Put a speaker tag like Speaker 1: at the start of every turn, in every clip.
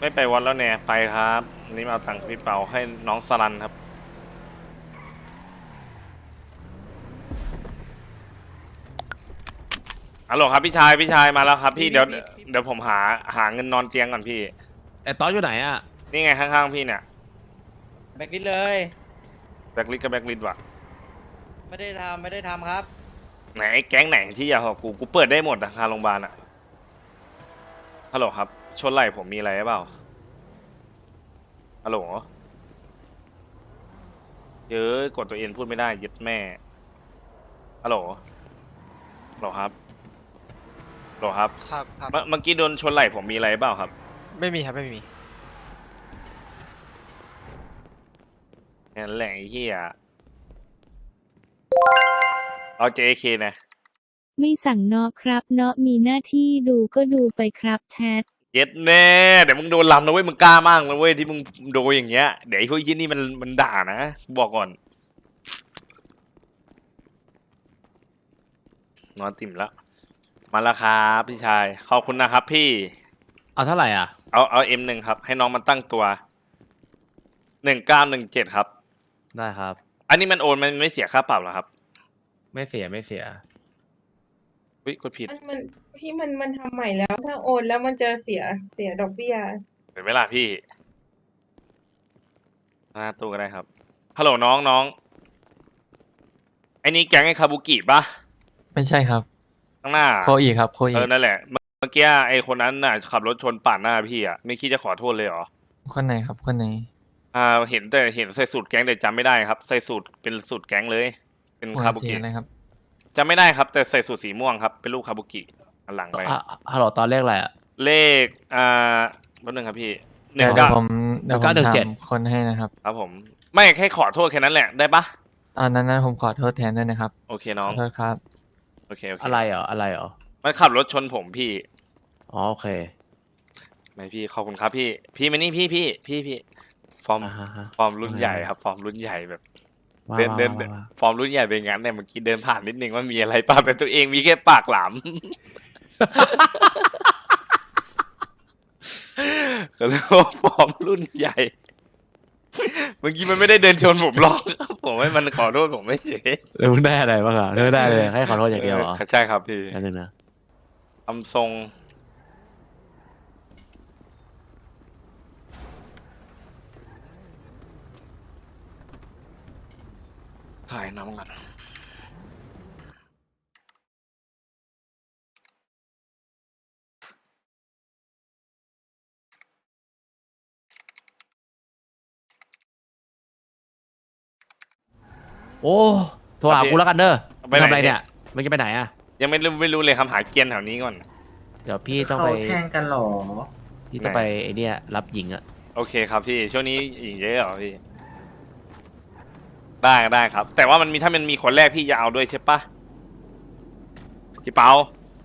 Speaker 1: ไม่ไปวัดแล้วเนี่ยไปครับอันนี้มาเอาตังค์พี่เปาให้น้องสลันครับฮัลโหลครับพี่ชายมาแล้วครับพี่เดี๋ยวผมหาเงินนอนเตียงก่อนพี่
Speaker 2: ไอ้ตอนอยู่ไหนอ่ะ
Speaker 1: นี่ไงข้างๆพี่เนี่ย
Speaker 3: แบ็กลิสเลย
Speaker 1: แบ็คลิสกับแบ็คลิสว่ะ
Speaker 3: ไม่ได้ทำครับ
Speaker 1: ไหนแก๊งไหนที่อยากของกูเปิดได้หมดนะคาโรงพยาบาลอะฮัลโหลครับชนไหล่ผมมีอะไรหรือเปล่าฮัลโหลเยอะกดตัวเองพูดไม่ได้ยึดแม่ฮัลโหลฮัลโหลครับฮัลโหลครับ
Speaker 4: ครับ
Speaker 1: เมื่อกี้โดนชนไหล่ผมมีอะไรหรือเปล่าครับ
Speaker 4: ไม่มีครับไม่มี
Speaker 1: นั่นแหละไอ้เหี้ยเอา JK นะ
Speaker 5: ไม่สั่งเนาะครับเนาะมีหน้าที่ดูก็ดูไปครับแชท
Speaker 1: เย็ดแน่เดี๋ยวมึงโดนลำนะเว้ยมึงกล้ามากนะเว้ยที่มึงโดนอย่างเงี้ยเดี๋ยวไอ้พวกยี่นี่มันด่านะบอกก่อนนอนติ่มแล้วมาแล้วครับพี่ชายขอบคุณนะครับพี่
Speaker 2: เอาเท่าไหร่อ่ะ
Speaker 1: เอาM1ครับให้น้องมันตั้งตัว1917ครับ
Speaker 2: ได้ครับ
Speaker 1: อันนี้มันโอนมันไม่เสียค่าปรับเหรอครับ
Speaker 2: ไม่เสียไม่เสีย
Speaker 1: วิกดผิด
Speaker 6: มันพี่มันทำใหม่แล้วถ้าโอนแล้วมันจะเสียดอกเบี้ย
Speaker 1: เห็นไหมล่ะพี่หน้าตู้ก็ได้ครับฮัลโหลน้องไอ้นี่แก๊งไอ้คาบุกิปะ
Speaker 4: ไม่ใช่ครับ
Speaker 1: ข้างหน้า
Speaker 4: โคอีครับโคอี
Speaker 1: นั่นแหละเมื่อกี้ไอ้คนนั้นน่ะขับรถชนปาดหน้าพี่อ่ะไม่คิดจะขอโทษเลยเหรอ
Speaker 4: คนไหนครับคนไหน
Speaker 1: เห็นใส่สูตรแก๊งแต่จำไม่ได้ครับใส่สูตรเป็นสูตรแก๊งเลยเป็นคาบุกิ
Speaker 4: นะครับ
Speaker 1: จำไม่ได้ครับแต่ใส่สูตรสีม่วงครับเป็นรูปคาบุกิอันหลังไป
Speaker 2: ฮัลโหลตอนเลขอะไรอ่ะ
Speaker 1: เลขแป๊บนึงครับพี่
Speaker 4: เดี๋ยวผมทำคนให้นะครับ
Speaker 1: ครับผมไม่แค่ขอโทษแค่นั้นแหละได้ปะ
Speaker 4: อันนั้นผมขอโทษแทนด้วยนะครับ
Speaker 1: โอเคน้อง
Speaker 4: ขอโทษครับ
Speaker 1: โอเค
Speaker 2: อะไรเหรอ
Speaker 1: มันขับรถชนผมพี่
Speaker 2: อ๋อโอเค
Speaker 1: ไม่พี่ขอบคุณครับพี่มานี่พี่ฟอร์มรุ่นใหญ่ครับฟอร์มรุ่นใหญ่แบบเดินฟอร์มรุ่นใหญ่เป็นงั้นเนี่ยเมื่อกี้เดินผ่านนิดนึงว่ามีอะไรป่ะแต่ตัวเองมีแค่ปากหลามก็เลยว่าฟอร์มรุ่นใหญ่เมื่อกี้มันไม่ได้เดินชนผมหรอกผมให้มันขอโทษผมไม่เฉย
Speaker 2: แล้วมึงได้อะไรบ้างอ่ะเธอได้เลยให้ขอโทษอย่างเดียวเหรอ
Speaker 1: ใช่ครับพี่
Speaker 2: นั่นนะ
Speaker 1: ทำทรงถ่ายน้ำกัน
Speaker 2: โอ้โทรหากูแล้วกันเด้อไปทำอะไรเนี่ยมันจะไปไหนอ่ะ
Speaker 1: ยังไม่รู้เลยคำหาเกียนแถวนี้ก่อน
Speaker 2: เดี๋ยวพี่ต้องไป
Speaker 3: แทงกันหรอ
Speaker 2: พี่ต้องไปไอเนี้ยรับหญิงอ่ะ
Speaker 1: โอเคครับพี่ช่วงนี้หญิงเยอะเหรอพี่ได้ครับแต่ว่าถ้ามันมีคนแรกพี่จะเอาด้วยใช่ปะพี่เปา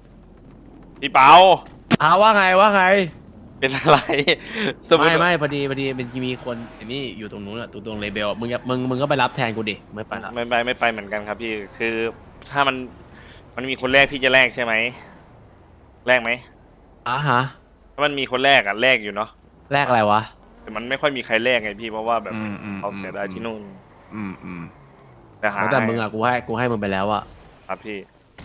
Speaker 2: ว่าไง
Speaker 1: เป็นอะไร
Speaker 2: ไม่พอดีมันมีคนอันนี้อยู่ตรงนู้นอะตรงเลเบลมึงก็ไปรับแทนกูดิไม่ไปละ
Speaker 1: ไม่ไปเหมือนกันครับพี่คือถ้ามันมีคนแรกพี่จะแลกใช่ไหมแลกไหม
Speaker 2: ฮะ
Speaker 1: ถ้ามันมีคนแรกอะแลกอยู่เนาะ
Speaker 2: แลกอะไรวะ
Speaker 1: แต่มันไม่ค่อยมีใครแลกไงพี่เพราะว่าแบบเขาเสียดายที่นู่น
Speaker 2: แต่มึงอะกูให้มึงไปแล้วอะ
Speaker 1: ครับพี่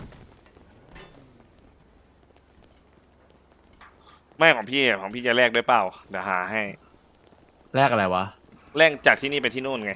Speaker 1: ไม่ของพี่จะแลกด้วยเปล่าเดี๋ยวหาให้
Speaker 2: แลกอะไรวะ
Speaker 1: แลกจากที่นี่ไปที่นู่นไง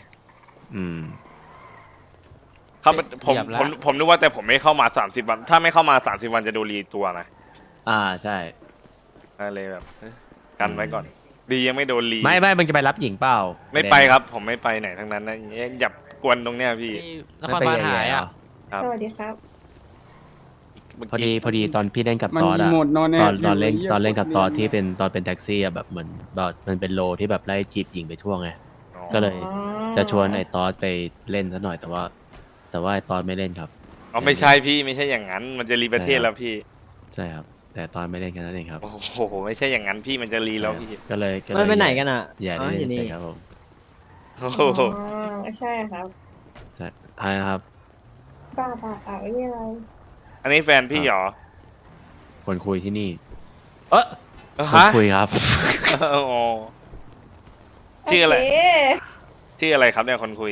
Speaker 1: ครับผมนึกว่าแต่ผมไม่เข้ามา30 วันถ้าไม่เข้ามา30 วันจะโดนรีตัวไง
Speaker 2: ใช่
Speaker 1: อะไรแบบกันไว้ก่อนดียังไม่โดนรี
Speaker 2: ไม่มึงจะไปรับหญิงเปล่า
Speaker 1: ไม่ไปครับผมไม่ไปไหนทั้งนั้นนะอย่ากวนตรงเนี้ยพี่
Speaker 4: นครบาลหายอ่ะ
Speaker 6: สวัสดีครับ
Speaker 2: พอดีตอนพี่เล่นกับตอดอะตอนเล่นกับตอดที่เป็นตอนเป็นแท็กซี่อะแบบเหมือนแบบมันเป็นโลที่แบบไล่จีบหญิงไปทั่วไงก็เลยจะชวนไอ้ตอดไปเล่นซะหน่อยแต่ว่าไอ้ตอดไม่เล่นครับ
Speaker 1: ไม่ใช่พี่ไม่ใช่อย่างนั้นมันจะรีประเทศแล้วพี่
Speaker 2: ใช่ครับแต่ตอนไม่เล่นกันนั่นเองครับ
Speaker 1: โอ้โหไม่ใช่อย่างนั้นพี่มันจะรีแล้วพี่
Speaker 2: ก็เลย
Speaker 3: ไม่ไปไหนกันอ่ะ
Speaker 2: อย่าเล่นใช่ครับผม
Speaker 1: โอ้โห
Speaker 6: ใช่ครับ
Speaker 2: ใช่ใช่ครับ
Speaker 6: ป้าไม่มีอะไร
Speaker 1: อันนี้แฟนพี่เหรอ
Speaker 2: คนคุยที่นี่คนคุยครับ
Speaker 1: อ๋อชื่ออะไร
Speaker 6: โเค
Speaker 1: ชื่ออะไรครับเนี่ยคนคุย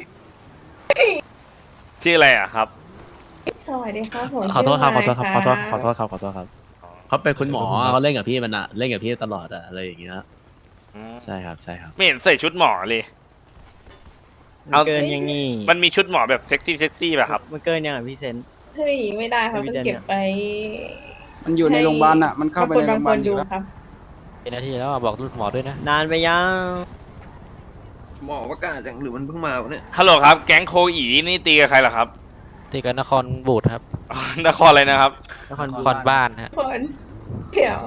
Speaker 1: ชื่ออะไรอะครับ
Speaker 6: สวัสดีครับผม
Speaker 2: ขอโทษครับขอ
Speaker 6: ชื่
Speaker 2: โทษครับ
Speaker 6: ไม
Speaker 2: ขอโทษ
Speaker 6: ค์
Speaker 2: ขอโทษครับขอโทษครับเขาเป็นคุณหมอเขาเล่นกับพี่มันอะเล่นกับพี่ตลอดอะอะไรอย่างเงี้ยใช่ครับใช่ครับ
Speaker 1: ไม่เห็นใส่ชุดหมอเลย เอา
Speaker 3: เกินยังงี้
Speaker 1: มันมีชุดหมอแบบเซ็กซี่ป่ะครับ
Speaker 3: มันเกินยังอ่ะพี่เซน
Speaker 6: เฮ้ยไม่ได้ครับ
Speaker 3: ไม่
Speaker 6: มัน
Speaker 3: ได้
Speaker 6: เก็บไป
Speaker 7: มันอยู่ในโรงพยาบาลอ่ะ มันเข้าไปในโรงพยาบาล
Speaker 6: คน
Speaker 7: อยู่
Speaker 6: ดู
Speaker 7: แล้ว
Speaker 6: ครับ
Speaker 8: เป็นนาทีแล้วอะบอกหมอด้วยนะ
Speaker 3: นานไปยัง
Speaker 9: หมอประกาศอย่างหรือมันเพิ่งมาวะเนี่ย
Speaker 1: ฮัลโหลครับ แก๊งโคอีนี่ตีกับใครเหรอครับ
Speaker 8: ที่กันนครบูดครับ
Speaker 1: นครอะไรนะครับ
Speaker 3: นคร
Speaker 8: นครบ้านฮะ
Speaker 6: คนเดี๋ยว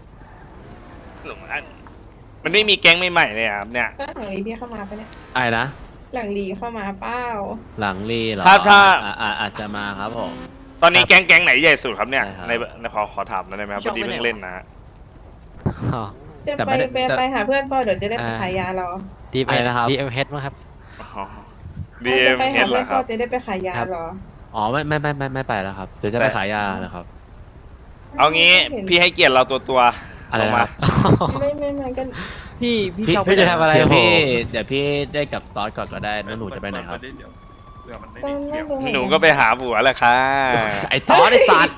Speaker 1: มันไม่มีแก๊งใหม่ๆเลยอะครับเนี่ย
Speaker 6: ก็หลังลีพี่เข้ามาปะเนี่ย
Speaker 2: ไอ้นะ
Speaker 6: หลังลีเข้ามาเป้า
Speaker 2: หลังรีเหรอ
Speaker 1: ถ้า
Speaker 2: อาจจะมาครับผม
Speaker 1: ตอนนี้แก๊งไหนใหญ่สุดครับเนี่ย
Speaker 2: ใช่ครับ
Speaker 1: ในขอถามหน่อยได้ไหมครับพอดีเพิ่งเล่นนะฮะ
Speaker 6: จะ
Speaker 2: แต่
Speaker 6: ไป
Speaker 2: ไม่ได้
Speaker 6: ไป
Speaker 2: แต่
Speaker 6: ไปหาเพื่อนเป้าเดี๋ยวจะได้ไปขายยาเรา
Speaker 8: ดีเอ็
Speaker 2: อะไร
Speaker 8: ม
Speaker 2: นะครับ
Speaker 8: ดีเอ็มเฮดมั้งครับ
Speaker 1: ดีเอ็
Speaker 6: จะ
Speaker 1: ม
Speaker 6: ไป
Speaker 1: เฮ
Speaker 6: หา
Speaker 1: ดเหร
Speaker 6: เพื่อ
Speaker 1: อน ค
Speaker 6: เป้า
Speaker 1: รับ
Speaker 6: จะได้ไปขายยา
Speaker 2: ครับ
Speaker 6: เหรอ
Speaker 2: อ๋อไม่ไปแล้วครับเดี๋ยวจะไปขายยาแล้วครับ
Speaker 1: เอางี้พี่ให้เกียรติเราตัว
Speaker 2: อะไร
Speaker 1: ลง
Speaker 2: นะ
Speaker 1: มา
Speaker 6: ไม่ก็
Speaker 3: พี่
Speaker 2: พี่
Speaker 3: ชอบ
Speaker 8: พี่จะทำอะไร
Speaker 2: เดี๋ยว
Speaker 8: ผม
Speaker 2: เดี๋ยวพี่ได้กับตอสก่อนก็ได้แล้วหนูจะไปไหนครับ
Speaker 6: ตอนแรกเลย
Speaker 1: หนูก็ไปหาผัวแหละค่ะ
Speaker 2: ไอ้ตอสไอ้สัตว์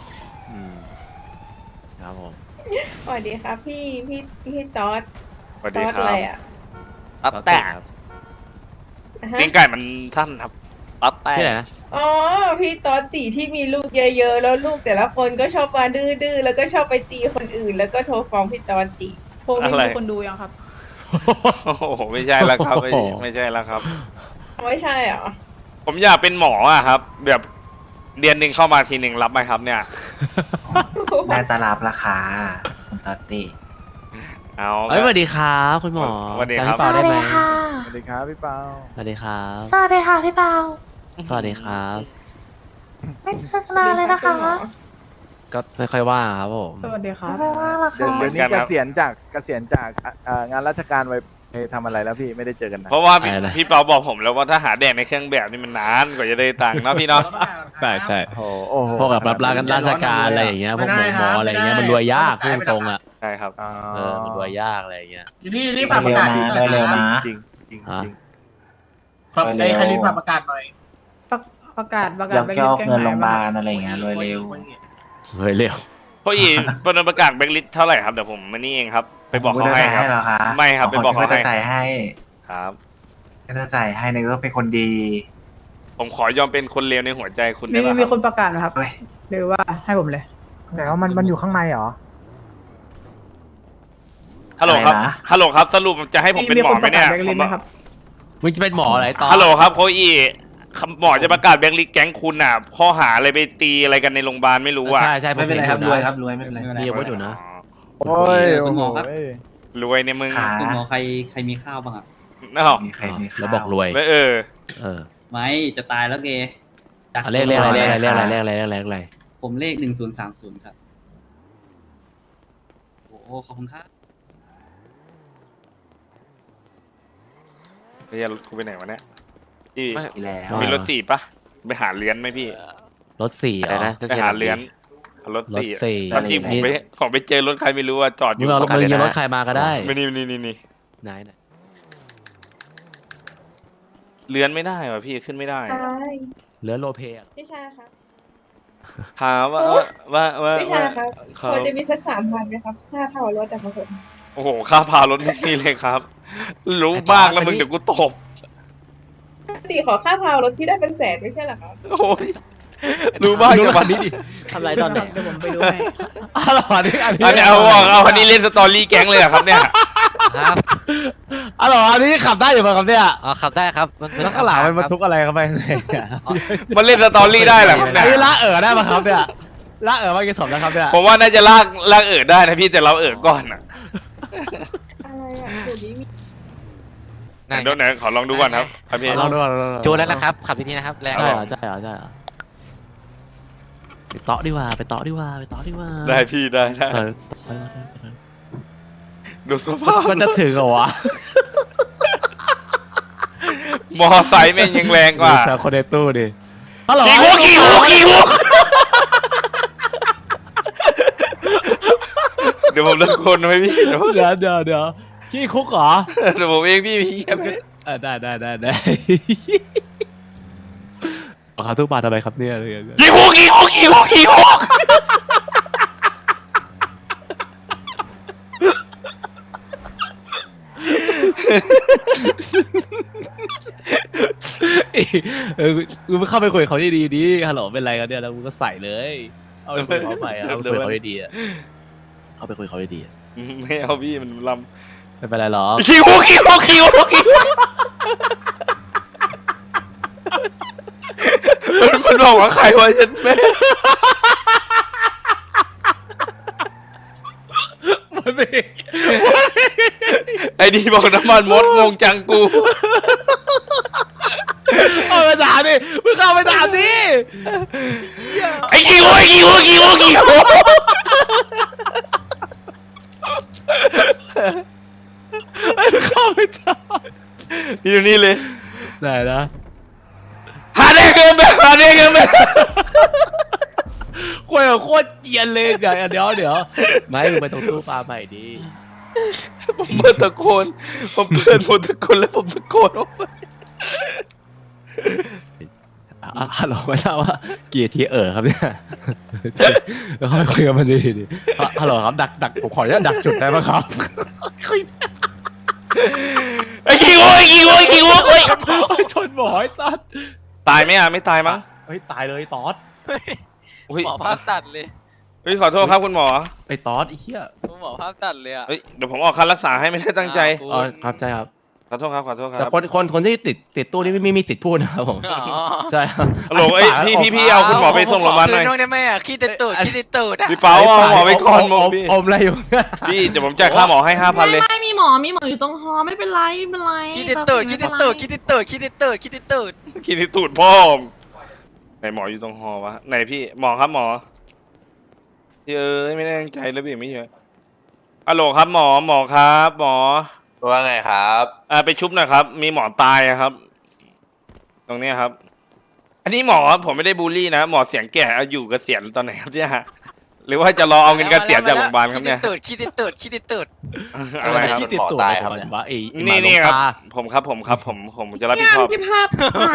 Speaker 2: ครับผม
Speaker 6: สวัสดีครับพี่ตอส
Speaker 1: สวัส
Speaker 6: ต
Speaker 1: ดี
Speaker 6: อส
Speaker 1: ครั
Speaker 6: อะไร
Speaker 1: บ
Speaker 6: อ่ะ
Speaker 1: ตัดแตก
Speaker 2: ครับ
Speaker 6: อ่ะฮะ
Speaker 1: ลิ้นไก่มันสั้นครับตัดแตก
Speaker 2: ชื่ออะไรนะ
Speaker 6: อ๋อพี่ตอสตีที่มีลูกเยอะๆแล้วลูกแต่ละคนก็ชอบมาดื้อๆแล้วก็ชอบไปตีคนอื่น แล้วก็โทรฟ้องพี่ตอสตี
Speaker 10: โพลมีคนดูยังครับ
Speaker 1: โอ้โหไม่ใช่แล้วครับไม่ใช่แล้วครับ
Speaker 6: ไม่ใช่เหรอ
Speaker 1: ผมอยากเป็นหมออะครับ แบบเดือนหนึ่งเข้ามาทีหนึ่งรับไหมครับเนี่ย
Speaker 9: น่าจะรับราคาคุณตอตตี้
Speaker 1: เอา
Speaker 2: เอ้ยสวัสดีครับคุณหมอ
Speaker 1: สวัสดีครับ
Speaker 2: จำพี่เปาได้ไหม
Speaker 7: สวัสดีครับพี่เปา
Speaker 2: สวัสดีครับ
Speaker 10: สวัสดีค่ะพี่เปา
Speaker 2: สวัสดีครับ
Speaker 10: ไม่เจอกันนานเลยนะคะ
Speaker 2: ก็ไม่ค่อยว่างครับผม
Speaker 10: สวัสดีค่ะไม่ว่างหรอก
Speaker 7: เดี๋ยว
Speaker 10: ค่ะ
Speaker 7: เดี๋ยวนี้เกษียณจากงานราชการไปทำอะไรแล้วพี่ไม่ได้เจอกันนะ
Speaker 1: เพราะว่าพี่
Speaker 2: อะไรนะ
Speaker 1: พี่เปาบอกผมแล้วว่าถ้าหาแดกในเครื่องแบบนี่มันนานกว่าจะได้ตังค์เนาะพี่เนาะ
Speaker 2: ใช่ใช่
Speaker 7: โอ้โห
Speaker 2: พวกแบบรับราชการอะไรอย่างเงี้ยพวกหมออะไรอย่างเงี้ยมันรวยยากพูดตรงๆอ่ะ
Speaker 1: ใช่ครับ
Speaker 7: อ๋อ
Speaker 2: มันรวยยากอะไรอย่างเงี้ย
Speaker 9: อยู่นี่รีบฝากประกาศหน่อย
Speaker 3: เร็วนะ
Speaker 7: จริงจริง
Speaker 2: ฮะ
Speaker 7: จริง
Speaker 9: ครับในใครรีบฝากประกาศหน่อย
Speaker 10: ประกาศ
Speaker 3: ยกย่อเงินโรงพยาบาล
Speaker 10: อะ
Speaker 3: อะไรอย่างเงี้ยรวยเร็ว
Speaker 2: เฮ้ยเร็ว
Speaker 1: เพราะอีประกาศแบงค์ลิสต์เท่าไหร่ครับเดี๋ยวผมมานี่เองครับ ไปบอกเขาให้ครับ
Speaker 9: เหรอคะ
Speaker 1: ไม่ครับไปบอกเขาให้
Speaker 9: ไม่จ่ายให้
Speaker 1: ครับ
Speaker 9: ไม่ต้องจ่ายให้นึกว่าเป็นคนดี
Speaker 1: ผมขอยอมเป็นคนเลวในหัวใจคุณ
Speaker 10: มี
Speaker 1: ได้ไหม
Speaker 10: มี
Speaker 1: ค
Speaker 10: ครับ นประกาศไหมครับ
Speaker 9: เฮ้ย
Speaker 10: หรือว่าให้ผมเลย
Speaker 7: แต่ว่ามันอยู่ข้างในเหรอ
Speaker 1: ฮัลโหลครับ
Speaker 9: อะไรนะ
Speaker 1: ฮัลโหลครับสรุปจะให้ผมเป็นหมอไหมเนี่ย
Speaker 10: แบงค์ลิสต์ไหมครับ
Speaker 2: มึงจะเป็นหมออะไรตอน
Speaker 1: ฮัลโหลครับโคอีหมอจะประกาศแบงค์ลิสต์แก๊งคุณอ่ะข้อหาอะไรไปตีอะไรกันในโรงพยาบาลไม่รู้อ่ะ
Speaker 2: ใช่ใช่
Speaker 9: ไม่เป็นไรครับรวยครับรวยไม่เป็นไร
Speaker 2: มีอาวุธอยู่นะ
Speaker 7: โอ้ย
Speaker 8: คุณหมอครับ
Speaker 7: โอ้ย
Speaker 1: รวยเนี่ยมึง
Speaker 9: ขา
Speaker 8: คุณหมอใครมีข้าวบ้างอ่ะ
Speaker 1: อ้าว
Speaker 9: มีใครมีข้าว
Speaker 2: แล้วบอกรวย
Speaker 1: แล้วเออ
Speaker 8: ไม่จะตายแล้วเก
Speaker 2: เลขอะไร
Speaker 8: ผมเลข1030ครับโอ้ขอบคุณครับ
Speaker 1: เฮียรถกูไปไหนวะเนี่ยพี่
Speaker 9: อีแล้ว
Speaker 1: มีรถสี่ปะไปหาเลี้ยนไหมพี่
Speaker 2: รถ4เหรอ
Speaker 1: ไปหาเลี้ยนรถสี่
Speaker 2: รถสี่
Speaker 1: ตอนที่ผมไปเจอรถใครไม่รู้ว่าจอดอ
Speaker 2: มึ
Speaker 1: ยู่
Speaker 2: งเอารถมึงยืมรถใครมาก็ได้
Speaker 1: ไม่นี่
Speaker 2: ไหน
Speaker 1: เลี้ยนไม่ได้ว่ะพี่ขึ้นไม่ได้
Speaker 6: ใช่
Speaker 2: เหลือโลเปอะ
Speaker 6: พี่ชายครับ
Speaker 1: ถามว่า
Speaker 6: พี่ชายครับ
Speaker 1: ครับ
Speaker 6: พอจะมีสัก3,000ไหมครับค่าเผารถแต่ของผม
Speaker 1: โอ้โหค่าพารถไม่มีเลยครับ รู้มากแล้วมึงเดี๋ยวกูตบ
Speaker 6: ปกติขอค่าเผารถที่ได้เป็นแสนไม่ใช่เหรอครับ
Speaker 1: โอ้ยรู้มาก
Speaker 2: ดู
Speaker 1: จัง
Speaker 2: คั
Speaker 1: วะ
Speaker 2: นนี้ดิ
Speaker 3: ทำไรตอนไหน
Speaker 10: เดี๋ยวผมไปดูให้
Speaker 2: อ๋อเหรออันนี้
Speaker 1: อันนี้เอาคันนี้เล่นสตอรี่แก๊งเลยเหรอครับเนี่ย
Speaker 8: ครับ
Speaker 2: อ๋อเหรออันนี้ขับได้อยู่ป่ะครับเนี่ย
Speaker 8: อ๋อขับได้ครับมัน
Speaker 2: แล้วข้างหลังมันบรรทุกอะไรเข้าไปข้างในอะ
Speaker 1: มันเล่นสตอรี่ได้เหรอครับ
Speaker 2: อั
Speaker 1: เนี่
Speaker 2: น
Speaker 1: ย
Speaker 2: นี้ละได้ป่ะครับเนี่ยละมากี่ศพแล้วครับเนี่ย
Speaker 1: ผมว่าน่าจะลากได้นะพี่แต่เราก่อนอ่ะ
Speaker 6: อะไรอ่ะเดี๋ยวนี้มี
Speaker 1: เดี๋ยวไหนขอลองดูก่อนครับครับพี่
Speaker 2: ลองดู
Speaker 8: จูนแล้วนะครับ ขับทีนี้นะครับแรง
Speaker 2: ใช่เหรอไปเตาะดีกว่าไปเตาะดีกว่า
Speaker 1: ได้พี่ได้
Speaker 2: เออ
Speaker 1: ดูสภาพ
Speaker 2: มันจะถึงเหรอวะ
Speaker 1: มอไซค์แม่งยังแรงกว่า
Speaker 2: แต่คนในตู้ดิฮัลโหล
Speaker 1: ขี่หูเดี๋ยวผมตะโกนไหมพี่เดี๋ยว
Speaker 2: เดี๋ยวขี้คุกเหรอ
Speaker 1: เดี๋ยวผมเองพี่พี่แค่ไม่
Speaker 2: ได้เอาขาทุกบาททำไมครับเนี่ย
Speaker 1: กี่ฮุก
Speaker 2: กูไม่เข้าไปคุยกับเขาดีๆดิฮัลโหลเป็นไรกันเนี่ยแล้วกูก็ใส่เลยเอาไปคุยกับเขาไปเอาไปคุยกับเขาดีๆอะเอาไปคุยกับเขาดีๆอะ
Speaker 1: ไม่เอาพี่มันล
Speaker 2: ไม่เป็นไรหรอก
Speaker 1: ำกี่ฮุกมันบอกว่าใครวะฉันแม่
Speaker 2: มันไม่
Speaker 1: ไอ้ดีบอกน้ำมันมดงงจังกู
Speaker 2: เอาไปด่าดิมึงเข้าไปด่าดิ
Speaker 1: ไอ้กี่ฮุก
Speaker 2: เข้าไปด่า
Speaker 1: อยู่นี่เลย
Speaker 2: ไหนนะ
Speaker 1: หาได้เงินแบบ
Speaker 2: คุยกับโคตรเกรียนเลยเดี๋ยวไม่มึงไปตรงตู้ปลาใหม่ดิ
Speaker 1: ผมเปิดตะโกนผมเปิดหมดตะโกนแล้วผมตะโกนออกไป
Speaker 2: ฮัลโหลไม่ทราบว่ากี่ทีครับเนี่ยแล้วเขาไปคุยกับมันดีฮัลโหลครับดักผมขออนุญาตดักจุดได้ไหมครับ
Speaker 1: ไอ้กี่ฮุก
Speaker 2: ชนหมอไอ้สัส
Speaker 1: ตายไหมอ่ะไม่ตายมั้ง
Speaker 2: เฮ้ยตายเลยตอด
Speaker 1: อุ้ย
Speaker 8: หมอภาพตัดเลย
Speaker 1: เฮ้ยขอโทษครับคุณหมอ
Speaker 2: ไอ้ตอดไอ้เหี้ย
Speaker 8: หมอภาพตัดเลยอ่ะ
Speaker 1: เฮ้ยเดี๋ยวผมออกค่ารักษาให้ไม่ได้ตั้งใจ
Speaker 2: อ๋อครับใช่ครับ
Speaker 1: ขอโทษครับ
Speaker 2: แต่คนที่ติดตู้นี่ไม่มีสิทธิ์พูดนะครับผมใช่ครับ
Speaker 1: ฮัลโหลเอ้ยพี่เอาคุณหมอไปส่งโรงพยาบาลหน่อย
Speaker 8: น้องได้ไหมอ่ะขี้ติดตูดอ่ะ
Speaker 1: พี่เปาเอาหมอไปก่อนพี่
Speaker 2: อมอะไรอยู่
Speaker 1: พี่เดี๋ยวผมจ่ายค่าหมอให้ 5,000เลย
Speaker 10: ไม่มีหมออยู่ตรงฮอไม่เป็นไร
Speaker 8: ขี้ติดตูด
Speaker 1: คิดที่ตูดพ่อมไหนหมออยู่ตรงหอวะไหนพี่หมอครับหมอเอ้ยไม่ได้ตั้งใจแล้วพี่ไม่เยอะฮัลโหลครับหมอครับหมอ
Speaker 9: ว่าไงครับ
Speaker 1: ไปชุบหน่อยครับ มีหมอตายอะครับ ตรงเนี้ยครับ อันนี้หมอผมไม่ได้บูลลี่นะหมอเสียงแก่เอาอยู่เกษียณตอนไหนครับเนี่ยหรือว่าจะรอเอาเงินเกษียณจากโรงพยาบาลครับเนี่ย
Speaker 8: ขี้ติดตูด
Speaker 1: อะไรครับ
Speaker 2: ที่ติดตัวครับว่าไอ้
Speaker 1: นี่ครับ ผมจะรับผิดชอบ
Speaker 10: พี่ภาพ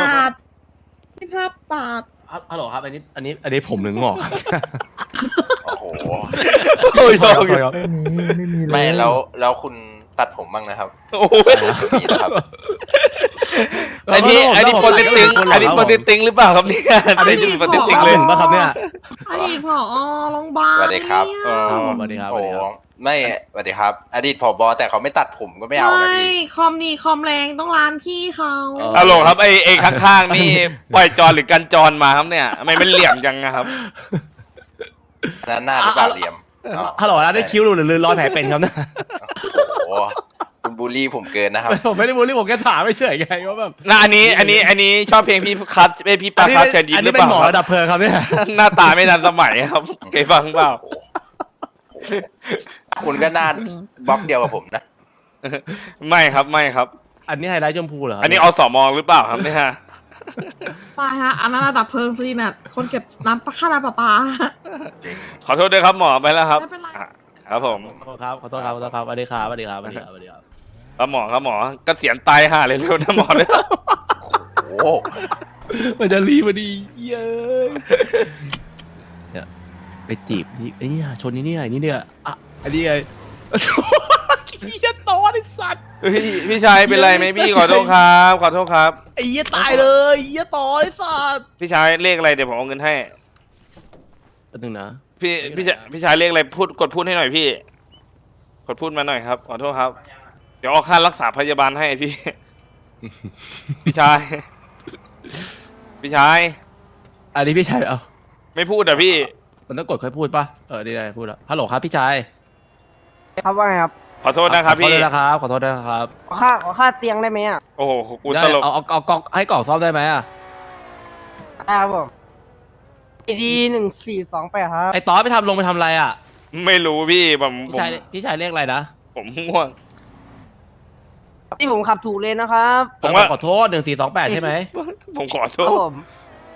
Speaker 10: ตัด
Speaker 2: ฮัลโหลครับอันนี้ผมหนึ่งหงอก
Speaker 9: โอ้โห
Speaker 1: โอ้ย
Speaker 9: ไม่แล้วคุณตัดผมบ้างนะครับ
Speaker 1: โอ้ย
Speaker 9: มีนะครับ
Speaker 1: อันนี้โปรตีนติงอันนี้โปรตีนติงหรือเปล่าครับเนี่ยอันนี้จะเป็นโปรตีนติงเลย
Speaker 2: ป่ะครับเนี่ย
Speaker 10: อดีตผอโรงพยาบาล
Speaker 9: สวัสดีครับ
Speaker 1: อ๋อ
Speaker 2: ครับสวัสดีครับ
Speaker 9: โอ้ไม่สวัสดีครับ อดีตผบแต่เขาไม่ตัดผมก็ไม่เอานะพี่
Speaker 10: คอมดีคอมแรงต้องร้านพี่เขา
Speaker 1: ฮัลโหลครับไอ้ข้างๆนี่ปล่อยจรหรือกันจรมาครับเนี่ยทำไมมันเหลี่ยมจังนะครับ
Speaker 9: นั่นหน้าหรือเปล่าเหลี่ยมอ๋อ
Speaker 2: ฮัลโหลนะได้คิ้วหรือรอยแผลเป็นครับเนี่ย
Speaker 9: โอ้โหคุณบูลลี่ผมเกินนะครับ
Speaker 2: ผมไม่ได้บูลลี่ผมแค่ถามไม่เฉยไงว่าแบบ
Speaker 1: น่าอันนี้ชอบเพลงพี่คัทพี่ปาคัทเชิญยิ้ม
Speaker 2: อัน
Speaker 1: หรื
Speaker 2: นี้
Speaker 1: อ
Speaker 2: เป็
Speaker 1: เป
Speaker 2: น
Speaker 1: ล่า
Speaker 2: หมอ
Speaker 1: ครับ
Speaker 2: ระดับเพลิงครับเนี่ย
Speaker 1: หน้าตาไม่ทันสมัยครับเคยฟังเปล่า
Speaker 9: คุณก็หน้าบล็อกเดียวกับผมนะ
Speaker 1: ไม่ครับ
Speaker 2: อันนี้ไฮไลท์ชมพูเหรอครับ
Speaker 1: อันนี้อสมหรือเปล่าครับเนี่ย
Speaker 10: ไปฮะอันนั้นระดับเพลิงซีน่ะคนเก็บน้ำค่าน้ำประปา
Speaker 1: ขอโทษด้วยครับหมอไปแล้วครับ
Speaker 10: ไม่เป็นไร
Speaker 1: ครับผม
Speaker 2: ครับขอโทษครับสวัสดีครับ
Speaker 1: ครับหมอเกษียณตายห่าเลยเร็วนะหมอเนี่ย
Speaker 9: โอ้โห
Speaker 2: มันจะรีมาดีเย้ยไปจีบนี่ไอ้เนี่ยชนนี่เนี่ยอ่ะอันนี้ไงเหี้ยตอนไอ้สัตว์
Speaker 1: เฮ้ยพี่ชายเป็นไรไหมพี่ขอโทษครับ
Speaker 2: ไอ้เหี้ยตายเลยเหี้ยตอนไอ้สัตว์
Speaker 1: พี่ชายเลขอะไรเดี๋ยวผมเอาเงินให้
Speaker 2: แป๊บนึงนะ
Speaker 1: พี่ชายเลขอะไรกดพูดให้หน่อยพี่กดพูดมาหน่อยครับขอโทษครับ เดี๋ยวเอาค่ารักษาพยาบาลให้พี่ พี่ชาย
Speaker 2: อันนี้พี่ชายเอา
Speaker 1: ไม่พูดอ่ะพี่
Speaker 2: มันต้องกดค่อยพูดป่ะนี่ได้พูดแล้วฮัลโหลครับพี่ชาย
Speaker 3: ครับว่าไงครับ
Speaker 1: ขอโทษนะครับพี่
Speaker 2: ขอโทษนะครับ
Speaker 3: ขอค่าเตียงได้ไหมอ่ะ
Speaker 1: โอ้โหกู
Speaker 2: ได้
Speaker 1: ตลก
Speaker 2: เอากล่องให้กล่องซ่อมได้ไหมอ่ะ
Speaker 3: ได้ครับผมดี1428ครับ
Speaker 2: ไอ้ตอนไปทำอะไรอ่ะ
Speaker 1: ไม่รู้พี่
Speaker 2: พี่ชายเรียกอะไรนะ
Speaker 1: ผมง่วง
Speaker 3: ที่ผมขับถูกเลยนะครับ
Speaker 1: ผมว่า
Speaker 2: ขอโทษ1428ใช่ไหม
Speaker 1: ผมขอโท
Speaker 3: ครับ
Speaker 1: ษ
Speaker 3: ผม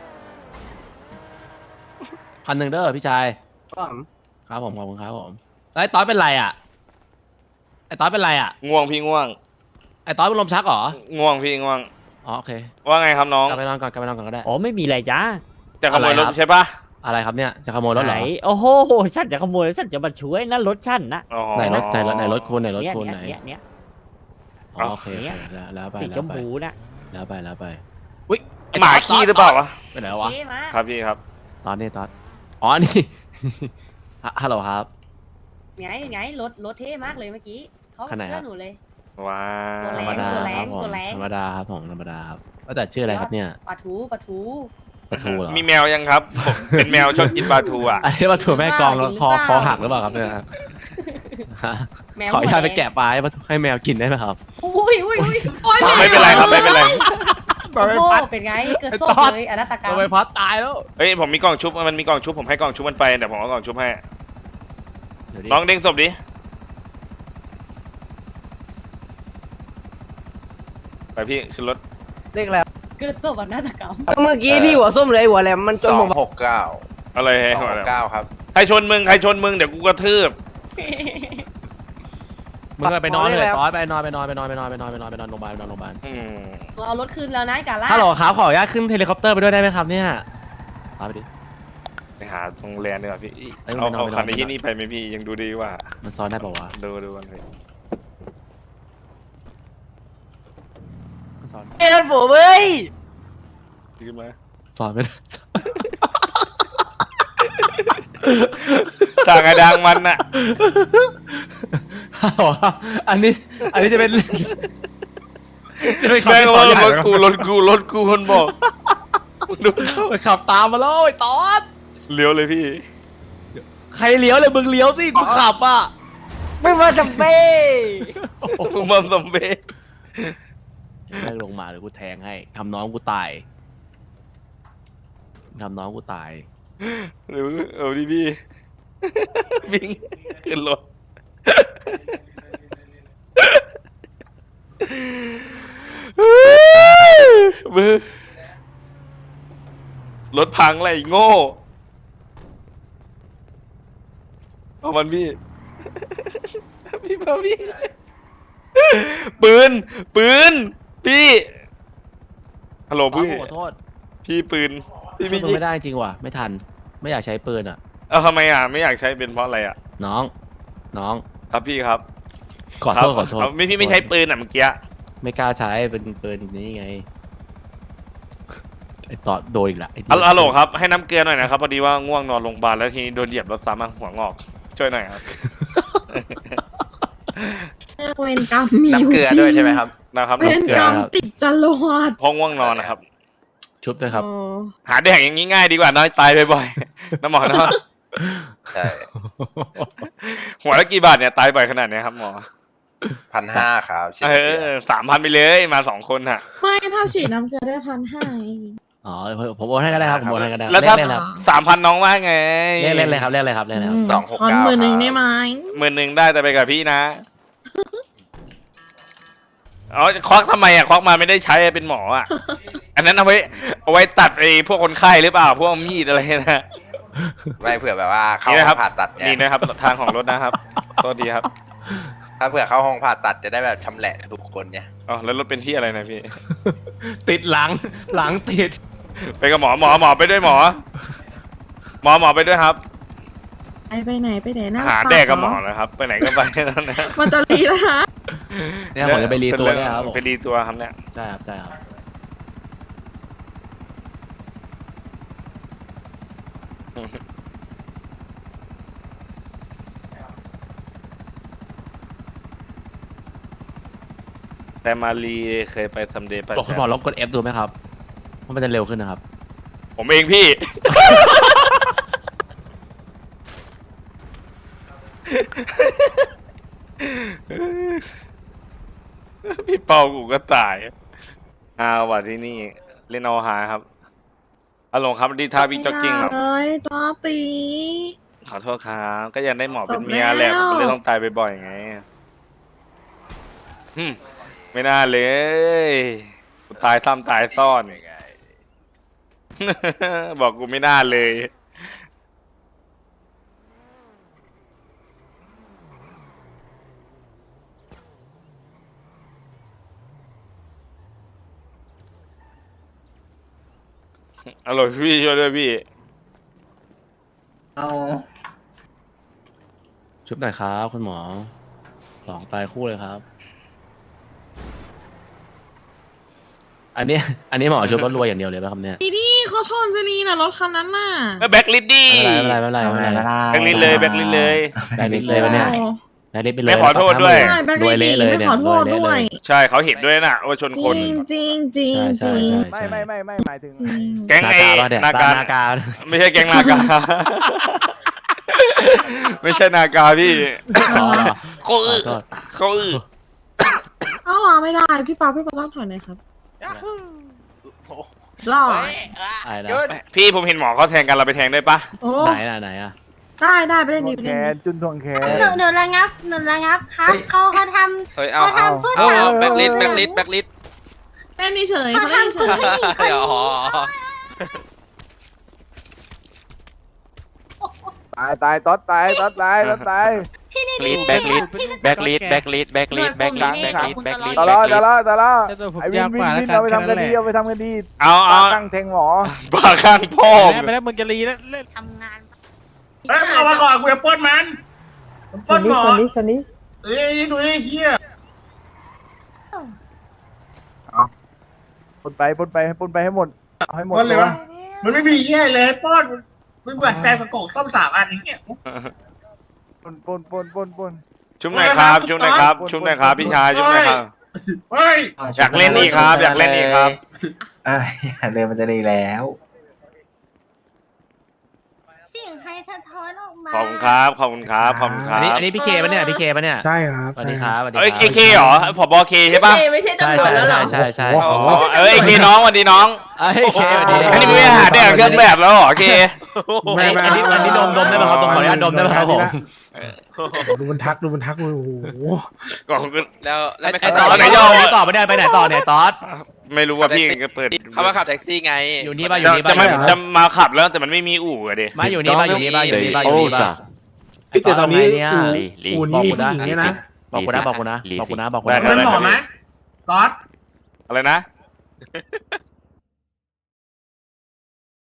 Speaker 2: 1,000เด้อพี่ชาย
Speaker 3: ครับผม
Speaker 2: ครับผมขอบคุณครับผมไอ้ตอนเป็นไรอ่ะไอ้ตอนเป็นไรอ่ะ
Speaker 1: ง่วงพี่ง่วง
Speaker 2: ไอ้ตอนเป็นลมชักเหรอ
Speaker 1: ง่วงพี่ง่วง
Speaker 2: อ๋อโอเค
Speaker 1: ว่าไงครับน้อง
Speaker 2: กลับไปนอนก่อนก็ได้
Speaker 11: อ๋อไม่มีอะไรจ้า
Speaker 1: จะขโมยรถ
Speaker 2: อะไรครับ
Speaker 1: ใช่ปะ
Speaker 2: อะไรครับเนี่ยจะขโมยรถเหร
Speaker 11: ไหน
Speaker 2: อ
Speaker 11: โอ้โหฉันจะขโมยฉันจะมาช่วยนะรถฉันนะ
Speaker 1: อ๋อ
Speaker 2: ไหนรถคุณไหนรถคุณไหน
Speaker 11: เนี่ย
Speaker 2: อ๋อโอเค
Speaker 11: เนี่ย
Speaker 2: แล้วไป
Speaker 11: สีชมพูนะ
Speaker 2: แล้วไปอุ้ยไอ้
Speaker 1: หมาขี้หรือเปล่าวะ
Speaker 2: ไปไหนวะ
Speaker 1: ครับพี่ครับ
Speaker 2: ตอนนี้ตอนอ๋อนี่ ฮัลโหลครับ
Speaker 3: ไงรถเท่มากเลยเมื่อกี้เขา
Speaker 2: ขนาดไหนครับ
Speaker 3: หนูเลย
Speaker 1: ว้า
Speaker 3: ตัว
Speaker 1: ว
Speaker 3: แร
Speaker 2: ธรรมดา
Speaker 3: ตัวแรง
Speaker 2: ครับผม
Speaker 3: ตัวแรง
Speaker 2: ธรรมดาครับผมธรรมดาครับว่าแต่ชื่ออะไรครับเนี่ย
Speaker 3: ปลาทู
Speaker 2: ปลาทูเหรอ
Speaker 1: มีแมวยังครับผมเป็นแมวชอบกินปลาทูอ่ะ
Speaker 2: ไอ้ปลาทูแม่กลองแล้วคอหักหรือเปล่าครับเนี่ยฮะ
Speaker 3: แมว
Speaker 2: ขออนุญาตไป
Speaker 3: หัวดง
Speaker 2: แกะปลาให้แมวกินได้ไหมครับ
Speaker 3: อุ้ย
Speaker 1: ไม่เป็นไรครับไม่เป็นไร
Speaker 3: โอ้โหเป็นไงเกิดโซ่เลยอนาตกรรม
Speaker 2: ตัวใบพัดตายแล้ว
Speaker 1: เฮ้ยผมมีกล่องชุบมันมีกล่องชุบผมให้กล่องชุบมันไปเดี๋ยวผมเอากล่องชุบให้
Speaker 2: เดี๋ยวดิ
Speaker 1: น้องเด้งศพดิไปพี่ขึ้นรถ
Speaker 3: เรียกแล้วเกิดโซ่อนาตกรรมเมื่อกี้ที่หัวส้มเลยหัวแหลมมันจนผม
Speaker 9: 269
Speaker 1: อะไรให้
Speaker 9: 269 ครับ
Speaker 1: ใครชนมึงเดี๋ยวกูกระทืบ
Speaker 2: มึงไปนอนเลยตอนไปนอนโรงพยาบาลโรงพยาบาล
Speaker 3: เอารถคืนแล้วนะกาล่า
Speaker 2: ฮัลโหลครับขออนุญาตขึ้นเฮลิคอปเตอร์ไปด้วยได้ไหมครับเนี่ยตามไปดิ
Speaker 1: ไปหาตรงแลนด์ดีกว่าพี่
Speaker 2: เอ้ย
Speaker 1: เอา
Speaker 2: ไม่นอน
Speaker 1: คัน
Speaker 2: ไม่นอน
Speaker 1: นี้นี่ไปไหมพี่ยังดูดีกว่า
Speaker 2: มันซ้อนได้ป่าวะ
Speaker 1: ดูกันเลย
Speaker 2: มันซ้อน
Speaker 3: เอ็นผมเว้ย
Speaker 1: ขึ้นมา
Speaker 2: ซ้อนไม่ได้
Speaker 1: ต่างกระดังมันน่ะ
Speaker 2: ฮัลโหลครับอันนี้จะเป็น
Speaker 1: แม่งว่ารถกูคนบอกดู
Speaker 2: ขับตามมาแล้วไอ้ตอน
Speaker 1: เลี้ยวเลยพี่
Speaker 2: ใครเลี้ยวเลยมึงเลี้ยวสิกูขับอ่ะ
Speaker 3: ไม่มาจำเป้
Speaker 1: มึงมันสมเบ
Speaker 2: ได้ลงมาหรือกูแทงให้ทำน้องกูตาย
Speaker 1: หรือเอาดิพี่วิ่งขึ้นรถมือรถพังอะไรโง่เอามันพี่พี่ปืนพี่ฮัลโหล
Speaker 2: ตอน
Speaker 1: พี่
Speaker 2: ขอโทษ
Speaker 1: พี่ปืนพี่
Speaker 2: ช่วยมึง
Speaker 1: ยิง
Speaker 2: ไม่ได้จริงว่ะไม่ทันไม่อยากใช้ปืนอ่ะ
Speaker 1: เอาทำไมอ่ะไม่อยากใช้เป็นเพราะอะไรอ่ะ
Speaker 2: น้อง
Speaker 1: ครับพี่ครับ
Speaker 2: ขอโทษ
Speaker 1: ครับพี่ไม่ใช้ปืนอ่ะเมื่อกี้
Speaker 2: ไม่กล้าใช้เป็นปืนนี้ไงไอ้ต่อโดนอีกละไอ้
Speaker 1: ฮัลโหลครับให้น้ำเกลือหน่อยนะครับพอดีว่าง่วงนอนโรงพยาบาลแล้วทีนี้โดนเหยียบรถซ้ำมาหัวงอกช่วยหน่อยครับ
Speaker 10: เวรกรรมมีอยู่
Speaker 9: น้ำเกลือ
Speaker 10: จริง
Speaker 9: ด้วยใช่ไหมครับ
Speaker 1: นะครับ
Speaker 10: เวรกรรมติดจรวด
Speaker 1: เพราะง่วงนอนนะครับ
Speaker 2: ชุบด้วยครับ
Speaker 10: อ๋อ
Speaker 1: หาแดกอย่างนี้ง่ายดีกว่าน้อยตายบ่อยๆ น้ำหมอเนาะ
Speaker 9: ใช่
Speaker 1: หัวละกี่บาทเนี่ยตายบ่อยขนาดเนี้ยครับหมอ
Speaker 9: 1,500 ครับฉีด
Speaker 1: เอ
Speaker 9: เกลือ
Speaker 1: อ3,000ไปเลยมา2 คนฮะ
Speaker 10: ไม่ถ้าฉีดน้ำเกลือได้1,500
Speaker 2: อ๋อผมโอนให้ก็ได้ครับผมโอนให้ก็ได้
Speaker 1: แล้วถ้า
Speaker 2: เล่นเลยครับ
Speaker 1: 3,000น้องว่าไง
Speaker 2: เล่นเลยครับเล่นเลยครับ
Speaker 10: ขอ10,000ได้ไหม
Speaker 1: 10,000ได้แต่ไปกับพี่นะอ๋อควักทำไมอ่ะควักมาไม่ได้ใช้เป็นหมออ่ะ อันนั้นเอาไว้ตัดไอ้พวกคนไข้หรือเปล่าพวกมีดอะไรนะ
Speaker 9: ไม่เผื่อแบบว่าเข้า
Speaker 1: นี่
Speaker 9: ห้
Speaker 1: นะครั
Speaker 9: อบ งผ่าตัดเนี่
Speaker 1: นี่
Speaker 9: ย
Speaker 1: นะครับทางของรถนะครับโทษทีครับ
Speaker 9: ถ้าเผื่อเข้าห้องผ่าตัดจะได้แบบชำแหละทุกคนเนี่ย
Speaker 1: อ๋อแล้วรถเป็นที่อะไรนะพี่
Speaker 2: ติดหลังติด
Speaker 1: ไปกับหมอไปด้วยหมอไปด้วยครับ
Speaker 10: ไปไหนหน้า
Speaker 1: หา
Speaker 10: ปาก
Speaker 1: แดกกับหมอ
Speaker 10: เร
Speaker 1: นะครับ ไปไหนก็ไปนั่นนะ
Speaker 10: มันจะรีแล้วนะ
Speaker 2: เนี่ยผมจะไปรีตัวเนี่ยครับผม
Speaker 1: ไปรีตัวครับเนี่ย
Speaker 2: ใช่ครับ
Speaker 1: แต่มารีเคยไปซัมเดย์ไป
Speaker 2: บอกคุณหมอลองกด F ดูไหมครับเพราะมันจะเร็วขึ้นนะครับ
Speaker 1: ผมเองพี่ พี่เปากูก็ตายว่ะที่นี่เล่นเอาหาครับอารมณ์ครับดีท่าวิ่งจ็อกกิ้งครับ
Speaker 10: เลยตอตี
Speaker 1: ขอโทษครับก็ยังได้หมอเป็น
Speaker 10: จบ
Speaker 1: เมียแหละ
Speaker 10: แล้ว
Speaker 1: ผมก็เลยต้องตายบ่อยๆไงไม่น่าเลยกูตายซ้ำตายซ่อน บอกกูไม่น่าเลยอร่อยพี่ช่วยด้วยพี่
Speaker 9: เอา
Speaker 2: ชุบหน่อยครับคุณหมอ2ตายคู่เลยครับ อันนี้หมอชุบรถรวยอย่างเดียวเลยป่ะครับเนี่ย
Speaker 10: ดีเขาชนเจลีน่ะรถคันนั้นน่ะ
Speaker 1: แบ็คลิดดี้
Speaker 2: ไม่เป็นไรไม่เป็นไร
Speaker 1: แบ็คลิดเลยแบ็คลิดเลย
Speaker 2: แบกลิสเลยวะเนี่ยแบกลิสไปเลย
Speaker 1: ไม่ขอโทษด้วย
Speaker 10: ใช่แบ็ค
Speaker 2: รวย
Speaker 10: ลี
Speaker 2: เละเลย
Speaker 10: ไม่
Speaker 2: เนี่ย
Speaker 10: ขอโทษ
Speaker 2: ร
Speaker 10: ด้
Speaker 2: เล
Speaker 10: วย
Speaker 2: เล
Speaker 1: ใช่เขาเห็นด้วยนะว่าชน
Speaker 10: จ
Speaker 1: คน
Speaker 10: ริงจริงจริงจริง
Speaker 2: ใช่
Speaker 7: ไม่หมายถึง
Speaker 1: แก๊งไอ้
Speaker 2: เนี่ย
Speaker 1: นาการ
Speaker 2: นากา
Speaker 1: ไม่ใช่แก๊งนากา ไม่ใช่นากาพี่
Speaker 2: อ๋อเหรอ
Speaker 1: เขาอื้อ
Speaker 2: ขอโทษ
Speaker 1: เขาอื้อ
Speaker 10: เอาวางไม่ได้พี่ปาต้องถอยหน่อยครับรอ
Speaker 2: อะไรนะ
Speaker 1: พี่ผมเห็นหมอเขาแทงกันเราไปแทงได้ปะ
Speaker 10: โอ้
Speaker 2: ไหนอ่ะ
Speaker 10: ได้ไปเล่นดีไป
Speaker 7: แข
Speaker 10: เล่น
Speaker 7: นจุนทวงแขน
Speaker 3: หนูระงับครับเขาท
Speaker 8: เฮ้ยเอาแบ็คลิสแบ็คลิสแบ็คลิส
Speaker 10: เล่นเฉยเขาเล่นเฉย
Speaker 8: อ๋อ
Speaker 7: ตายต๊อดตาย
Speaker 8: ลิสแบ็คลิสแบ็คลิสแบ็คลิสแบ็คลิสแบ็คลิสแบ็คลิสแบ็คลิส
Speaker 7: ตลอดไอ้วินเอาไปทำคดี
Speaker 1: เอา
Speaker 7: ตั้งแทงหมอ
Speaker 1: บ้าข้างพ่อ
Speaker 10: ไปแล้วมึงจะรีแล้วเล่น
Speaker 3: ำทำงาน
Speaker 6: เฮ้ยเอามาก่อนกูจะปล้นมันปล้นหมอ
Speaker 3: ชนี้
Speaker 6: เอ้ยดูนี่เฮีย
Speaker 7: ปนไปให้หมดเอาให้หมด
Speaker 6: ปล้นเลยวะมันไม่มีเฮียเลยปล้นมึงเปิดแฟนประกอบซ่อม3 อันนี้เนี่ย
Speaker 7: ปน
Speaker 1: ชุบหน่อยครับชุบหน่อยครับชุบหน่อยครับพี่ชายชุบหน่อยครับ
Speaker 6: เฮ้ย
Speaker 1: อยากเล่นอีกครับอยากเล่นอีกครับ
Speaker 9: เรือมันจะดีแล้ว
Speaker 3: เสียงใครสะท้อนออกมา
Speaker 1: ขอบคุณครับขอบคุณครับขอบคุณครั
Speaker 2: อั
Speaker 1: บ
Speaker 2: นนี้พี่เคปะเนี่ยพี่เคปะเนี่ย
Speaker 7: ใช่ครับ
Speaker 2: สวัสดีครับสวัสดีค
Speaker 1: เอ้ย
Speaker 2: รับ
Speaker 1: เอเคเหรอผบเคใช่ปะ
Speaker 6: ไม่ใช่
Speaker 2: ใช่
Speaker 6: ตำรวจแล้วเหรอ
Speaker 2: ใช่
Speaker 1: เอ้ยเอเคน้องสวัสดีน้อง
Speaker 2: เอ้ยเคสวัสดี
Speaker 1: อันนี้มึงไม่หาได้เครื่องแบบแล้วเหรอเค
Speaker 2: อันนี้ดมได้ไหมครับขออนุญาตดมได้ไหมครับผม
Speaker 7: ดูมันทักโอ้โห
Speaker 1: กล่องก็
Speaker 8: แล้วไม่
Speaker 2: ไอ้ตอส
Speaker 1: ไหน
Speaker 2: ไหน
Speaker 1: ย่อ
Speaker 2: ต่อไปเนี่ยไปไหนต่อเนี่ยตอส
Speaker 1: ไม่รู้ว่าพี่ก็เปิด
Speaker 8: เขามาขับแท็กซี่ไง
Speaker 2: อยู่นี่ป่ะอยู่นี่ป่ะ
Speaker 1: จะมาขับแล้วแต่มันไม่มีอู่อะดิ
Speaker 2: มาอยู่นี่ป่ะอยู่นี่ป่ะอยู่นี่ป่ะอยู่นี่ป่ะไอ้ตอนนี้เนี่ยบอกกูนะบอกกูนะ
Speaker 1: ได้
Speaker 6: เป็นหมอไหมก๊อต
Speaker 1: อะไรนะ